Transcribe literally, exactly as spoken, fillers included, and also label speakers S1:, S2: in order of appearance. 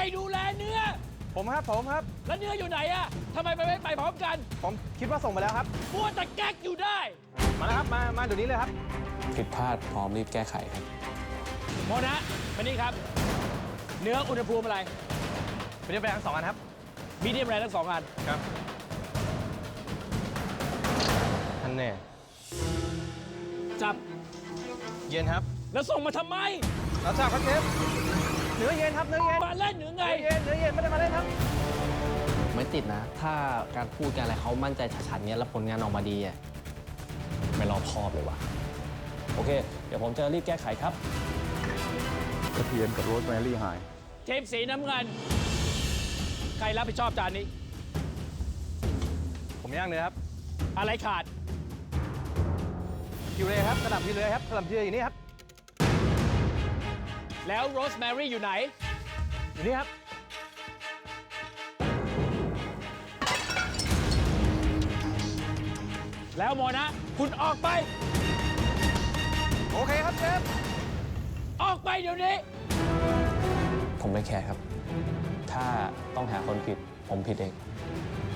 S1: ดูแลเนื้อ
S2: ผมครับผมครับ
S1: แล้วเนื้ออยู่ไหนอะทำไมไปไม่ไปพร้อมกัน
S2: ผมคิดว่าส่งไปแล้วครับ
S1: มัวแต่แก๊กอยู่ได้
S2: มาแล้วครับมามาเดี๋ยวนี้เลยครับ
S3: ผิดพลาดพร้อมรีบแก้ไขครับ
S1: โมนะมานี่ครับเนื้ออุณหภูมิอะไร
S2: มีเดียมแรงทั้งสองอันครับ
S1: มีเดียมแรงทั้งสองอัน
S2: ครับอันแน่
S1: จับ
S2: เย็นครับ
S1: แล้วส่งมาทำไม
S2: รับทราบครับเชฟเนื้อเย็นครับเนื้อเย็น
S1: มาเล่นหรือไง
S2: เนื้อเย็นเนื้อเย็นไม่ได้มาเล่นครับ
S4: ไม่ติดนะถ้าการพูดกันอะไรเขามั่นใจชัดๆเนี้ยแล้วผลงานออกมาดีอ่ะ
S3: ไม่รอบคอบเลยว่ะโอเคเดี๋ยวผมจะรีบแก้ไขครับ
S5: กระเทียมกับโรสแมรี่หาย
S1: ทีมสีน้ำเงินใครรับผิดชอบจานนี้
S2: ผมย่างเนื้อครับ
S1: อะไรขาด
S2: พิวเรครับกระหล่ำพิวเรครับกระหล่ำพิวเรอยู่นี่ครับ
S1: แล้วโรสแมรี่อยู่ไหน
S2: อยู่นี่ครับ
S1: แล้วโมนะคุณออกไป
S2: โอเคครับเชฟ
S1: ออกไปเดี๋ยวนี้
S3: ผมไม่แคร์ครับถ้าต้องหาคนผิดผมผิดเอง